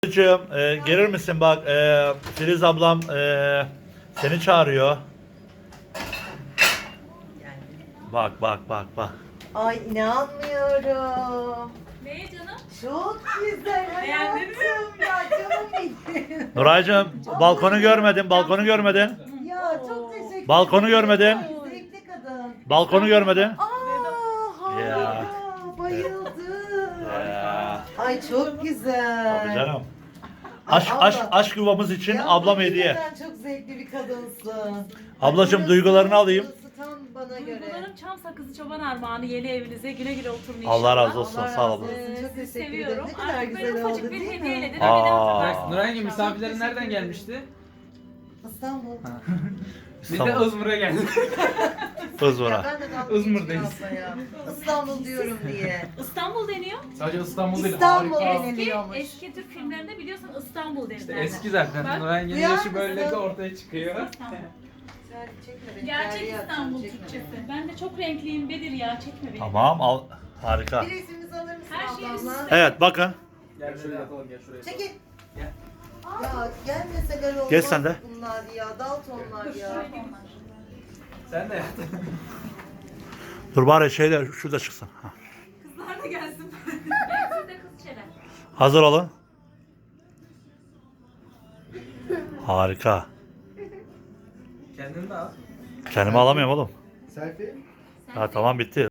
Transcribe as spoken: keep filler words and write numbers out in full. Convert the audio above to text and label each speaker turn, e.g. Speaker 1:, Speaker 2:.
Speaker 1: Filiz, e, gelir misin bak, e, Filiz ablam e, seni çağırıyor. Bak bak bak bak.
Speaker 2: Ay inanmıyorum.
Speaker 3: Neye canım?
Speaker 2: Çok güzel
Speaker 3: Beğendin mi?
Speaker 2: hayatım ya canım benim.
Speaker 1: Nuraycığım balkonu görmedin, balkonu görmedin.
Speaker 2: Ya çok teşekkür
Speaker 1: Balkonu görmedin.
Speaker 2: Zevkli kadın.
Speaker 1: Balkonu görmedin.
Speaker 2: Aa harika.
Speaker 1: Ya.
Speaker 2: Bayıldım.
Speaker 1: Ya.
Speaker 2: Ay çok güzel.
Speaker 1: Tabii canım.
Speaker 2: Ay,
Speaker 1: Aşk,
Speaker 2: abla.
Speaker 1: aşk, aşk yuvamız için
Speaker 2: Ya,
Speaker 1: ablam hediye.
Speaker 2: hakikaten çok zevkli bir kadınsın.
Speaker 1: Ablacığım,
Speaker 2: Ay,
Speaker 1: duygularını alayım.
Speaker 2: burası Tam bana göre.
Speaker 3: Duygularım çam sakızı çoban armağanı yeni evinize güle güle oturun inşallah.
Speaker 1: Allah razı olsun,
Speaker 2: Allah
Speaker 1: sağ
Speaker 2: razı
Speaker 1: olun.
Speaker 2: olsun.
Speaker 3: Ee,
Speaker 2: Çok
Speaker 3: sizi
Speaker 2: teşekkür ederim.
Speaker 3: seviyorum.
Speaker 2: Ne kadar
Speaker 3: Artık böyle
Speaker 2: güzel
Speaker 3: ufacık
Speaker 2: oldu
Speaker 3: bir
Speaker 2: değil
Speaker 3: hediyeyle
Speaker 2: mi?
Speaker 3: de bir
Speaker 1: Aa.
Speaker 3: daha-
Speaker 4: Nuray'ın misafirlerin
Speaker 2: teşekkür
Speaker 4: nereden
Speaker 2: ederim.
Speaker 4: gelmişti?
Speaker 2: İstanbul.
Speaker 4: Biz de
Speaker 1: İstanbul.
Speaker 4: Izmir'e geldik.
Speaker 2: Ya
Speaker 1: Izmir'a.
Speaker 2: ben de dalga
Speaker 4: Izmir'deyiz.
Speaker 2: geçiyorum ya. İstanbul diyorum diye.
Speaker 3: İstanbul deniyor.
Speaker 4: Sadece İstanbul değil,
Speaker 2: İstanbul
Speaker 4: harika.
Speaker 2: benim.
Speaker 3: Eski,
Speaker 2: Deniliyormuş.
Speaker 3: eski Türk filmlerinde biliyorsun İstanbul
Speaker 4: İşte
Speaker 3: derler.
Speaker 4: eski zaten.
Speaker 3: Bak.
Speaker 4: Nuray'ın yeni
Speaker 2: Duyar
Speaker 4: yaşı böyle
Speaker 2: mısın?
Speaker 4: de ortaya çıkıyor.
Speaker 3: İstanbul.
Speaker 2: Çekme beni,
Speaker 3: Gerçek
Speaker 2: terliği atacağım,
Speaker 3: İstanbul
Speaker 2: çekme
Speaker 3: Türkçesi.
Speaker 2: beni.
Speaker 3: Ben de çok renkliyim Bedir ya, çekme beni.
Speaker 1: Tamam, al. Harika.
Speaker 2: Bir resmimizi alır mısın
Speaker 3: Her şeyi
Speaker 2: ablamla?
Speaker 3: size-
Speaker 1: Evet, bakın.
Speaker 4: Gel şöyle yatalım, gel şuraya.
Speaker 2: Çekil.
Speaker 4: Gel.
Speaker 2: Ya gelmeseler olmaz
Speaker 1: Geç sen de.
Speaker 2: bunlar ya. Daltonlar ya.
Speaker 4: Sen de yat.
Speaker 1: Dur bari şeyler şurada çıksın. Ha.
Speaker 3: Kızlar da gelsin. Ben siz de kız çeler.
Speaker 1: Hazır olun. Harika.
Speaker 4: Kendini de al.
Speaker 1: Kendimi alamıyorum oğlum.
Speaker 5: Selfie.
Speaker 1: Ha, tamam, bitti.